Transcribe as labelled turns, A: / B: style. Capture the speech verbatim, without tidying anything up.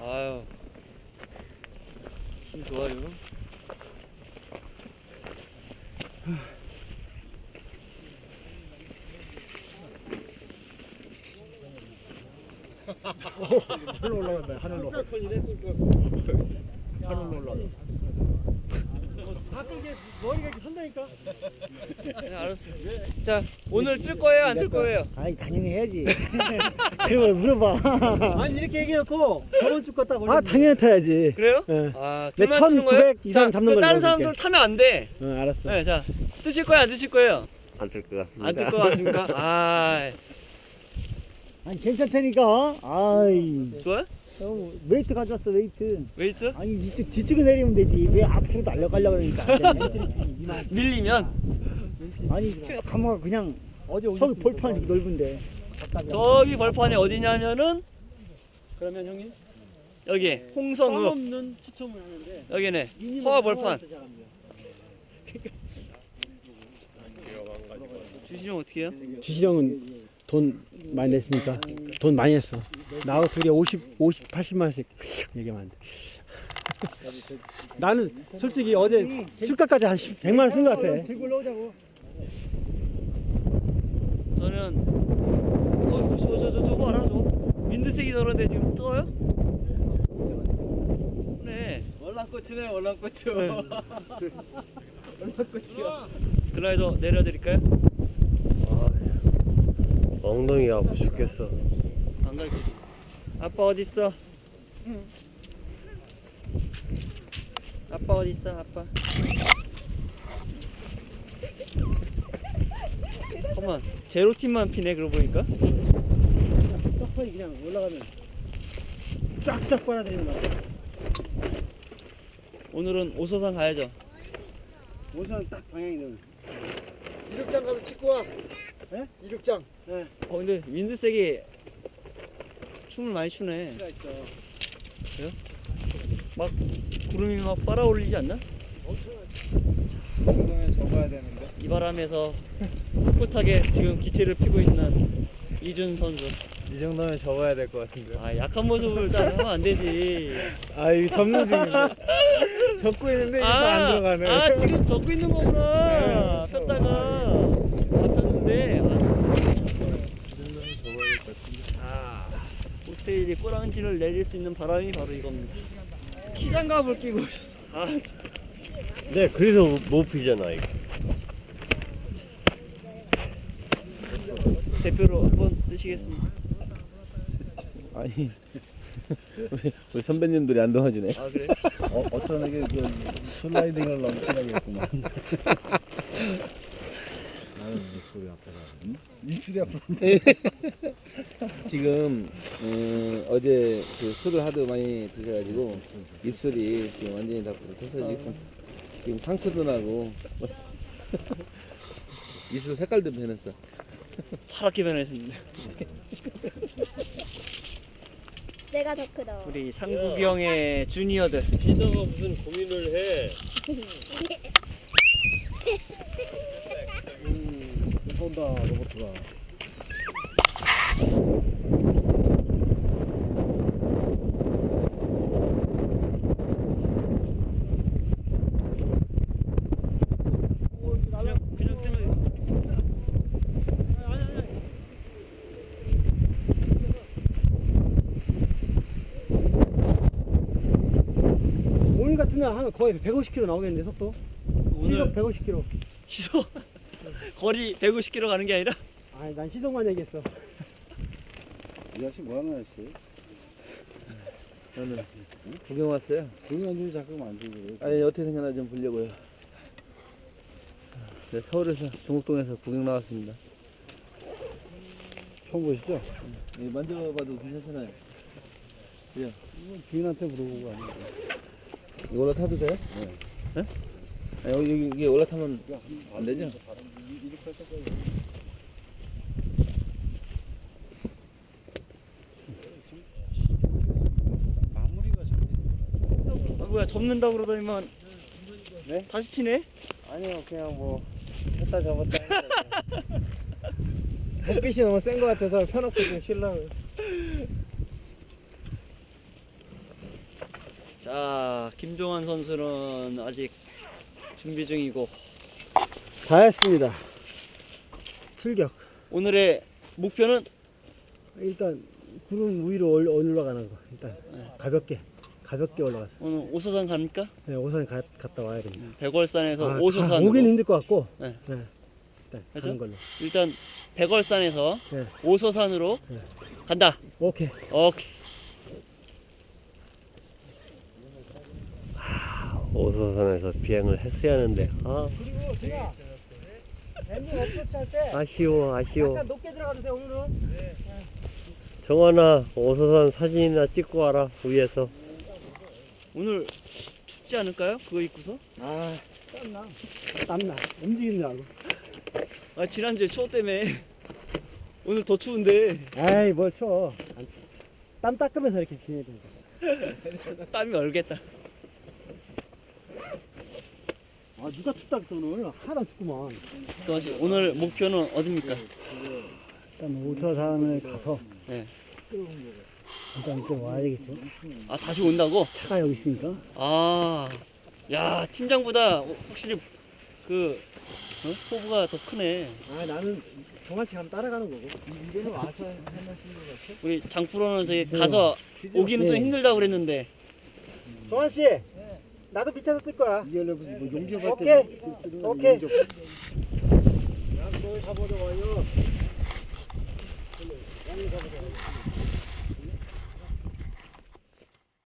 A: 아유, 힘 좋아요.
B: 하늘로 올라간다. 하늘로. 하늘로 올라가. 가끔 이게 머리가 이렇게 선다니까.
A: 네, 알았어. 자, 오늘 뜰 거예요, 안 뜰 거예요?
B: 아니 당연히 해야지. 그걸 물어봐. 아니 이렇게 얘기해놓고 저번 주 거딱 올려. 아 당연히 타야지.
A: 그래요?
B: 네.
A: 아,
B: 내
A: 뜰만 뜨는 거예요?
B: 천구백 이상
A: 자,
B: 잡는
A: 그
B: 걸로
A: 다른
B: 넣어줄게.
A: 사람들 타면 안 돼.
B: 응 알았어.
A: 네, 자, 뜨실 거예요, 안 뜨실 거예요?
C: 안 뜰 것 같습니다.
A: 안 뜰 거 같습니까? 아,
B: 아니 괜찮다니까. 아이.
A: 좋아요?
B: 어, 웨이트 가져왔어 웨이트.
A: 웨이트?
B: 아니 이쪽 뒤쪽에 내리면 되지. 왜 앞으로 날려가려고 그러니까.
A: 밀리면
B: 아니 가마가 그냥 어제 저기 볼판 이렇게 넓은데.
A: 저기 벌판이 어디냐면은
B: 그러면 형님
A: 여기 홍성읍,
B: 없는 추첨을 하는데
A: 여기네 허화 벌판. 주시면 어떻게 해요?
B: 주시령은 돈 많이 냈으니까 돈 많이 했어. 나하고 둘이 오십, 오십, 팔십만 원씩 얘기하면 안 돼. 나는 솔직히 어제 술값까지 한 백만 원 쓴 것 같아. 들고 올라오자고.
A: 저는 어, 저, 저, 저, 저거 알아? 저거? 민드색이 저런데 지금 떠요? 네.
B: 월남고추네 월남고추. 월남고추야.
A: 글라이더 내려드릴까요?
C: 엉덩이가 아파 죽겠어.
A: 안 갈게. 아빠 어디 있어? 응. 아빠 어디 있어? 아빠. 잠깐만. 제로 팀만 피네 그러고 보니까.
B: 떡하니 그냥 올라가면 쫙쫙 빨아들이는 거야.
A: 오늘은 오서산 가야죠.
B: 오선 딱 방향이 되는.
D: 이륙장 가서 찍고 와.
B: 예?
D: 이륙장.
B: 네.
A: 어 근데 윈드색이 춤을 많이 추네.
B: 있어 있어.
A: 막 구름이 막 빨아올리지 않나?
D: 운동에 접어야 되는데.
A: 이 바람에서 꿋꿋하게 지금 기체를 피고 있는 이준 선수.
D: 이 정도면 접어야 될 것 같은데.
A: 아 약한 모습을 딱 하면 안 되지.
D: 아, 이 접는 중인데. 접고 있는데 이거 안 들어가네.
A: 아 지금 접고 있는 거구나.
D: 네.
A: 폈다가 안 폈는데.
D: 이 정도면 접어야 될 것 같은데.
A: 아 호세일이 꼬랑지를 내릴 수 있는 바람이 바로 이겁니다. 스키 장갑을 끼고 오셨어. 아
C: 네, 그래서 못 피잖아 이거.
A: 대표로 한번 뜨시겠습니다.
C: 아니 우리, 우리 선배님들이 안 도와주네.
A: 아 그래?
D: 어, 어떤 애게 그 슬라이딩을 너무 심하겠구만. 아유, 입술이 아파라. 응? 입술이 아프다.
C: 지금 음, 어제 그 술을 하도 많이 드셔가지고 입술이 지금 완전히 다 터져지고 지금 상처도 나고 입술 색깔도 변했어.
A: 파랗게 변했습니다.
E: 내가 더 크다.
A: 우리 상국이 형의 주니어들.
C: 피서가 무슨 고민을 해?
B: 음, 쏜다 로봇가.
A: 그냥 그냥 뜨면
B: 오늘 같은 날 하면 거의 백오십 킬로미터 나오겠는데 속도?
A: 오늘
B: 시속 백오십 킬로미터.
A: 시속 거리 백오십 킬로미터 가는 게 아니라
B: 아니 난 시속만 얘기했어.
D: 이 아저씨 뭐하는 아저씨?
C: 저는 구경 왔어요.
D: 조용히 앉으면 자꾸 안 들고.
C: 아니 어떻게 생겼나 좀 보려고요. 네, 서울에서 종목동에서 구경 나왔습니다.
D: 처음 보시죠?
C: 예, 만져봐도 괜찮잖아요.
D: 이건 주인한테 물어보고 아니고.
C: 이거 올라타도 돼요?
D: 네.
C: 네? 아니, 여기, 여기 이게 올라타면 안 되죠?
D: 이륙할 때까지. 마무리가 잘 돼.
A: 아, 뭐야 접는다고 그러더니만
D: 네?
A: 다시 피네?
D: 아니요, 그냥 뭐 했다 접었다.
B: 햇빛이 너무 센 것 같아서 펴놓고 좀 쉬려고.
A: 자, 김종환 선수는 아직 준비 중이고
B: 다 했습니다. 출격.
A: 오늘의 목표는
B: 일단 구름 위로 올- 올라가는 거. 일단
A: 네.
B: 가볍게 가볍게 올라가서.
A: 오늘 오소산 갑니까?
B: 네, 오산 가, 갔다 와야 됩니다.
A: 백월산에서
B: 아,
A: 오소산으로
B: 오긴 힘들 것 같고.
A: 네.
B: 네. 일단
A: 그죠?
B: 가는 걸로.
A: 일단 백월산에서
B: 네.
A: 오소산으로
B: 네.
A: 간다.
B: 오케이.
A: 오케이.
F: 오소산에서 비행을 했어야 하는데 아
B: 그리고 제가 엠비 업로드 할때
F: 아쉬워 아쉬워.
B: 약간 높게 들어가도 돼 오늘은.
F: 정환아 오소산 사진이나 찍고 와라 위에서.
A: 오늘 춥지 않을까요? 그거 입고서?
B: 아 땀나. 땀나. 움직이느라고.
A: 아 지난주에 추워 때문에 오늘 더 추운데
B: 아이 뭘 쳐. 안 쳐. 땀 닦으면서 이렇게 지내야 된다.
A: 땀이 얼겠다.
B: 아 누가 춥다 그랬어 오늘. 하나도 춥구만.
A: 그것이 오늘 목표는 어딥니까?
B: 일단 오서산을 가서
A: 네.
B: 일단 이제 와야 되겠죠.
A: 아 다시 온다고?
B: 차가 여기 있으니까.
A: 아, 야 팀장보다 확실히 그 어? 포부가 더 크네.
B: 아 나는 정확히 가면 따라가는 거고.
D: 이제는 와서 하나씩 것 같아.
A: 우리 장프로는 저기 가서 오기는 좀
B: 네.
A: 힘들다고 그랬는데
B: 정환 씨, 나도 밑에서 뜰 거야.
D: 이열로 뭐 용접할
B: 오케이.
D: 때
B: 오케이.
D: 용접.
B: 양쪽에 가보자 와요. 양쪽에 가보자.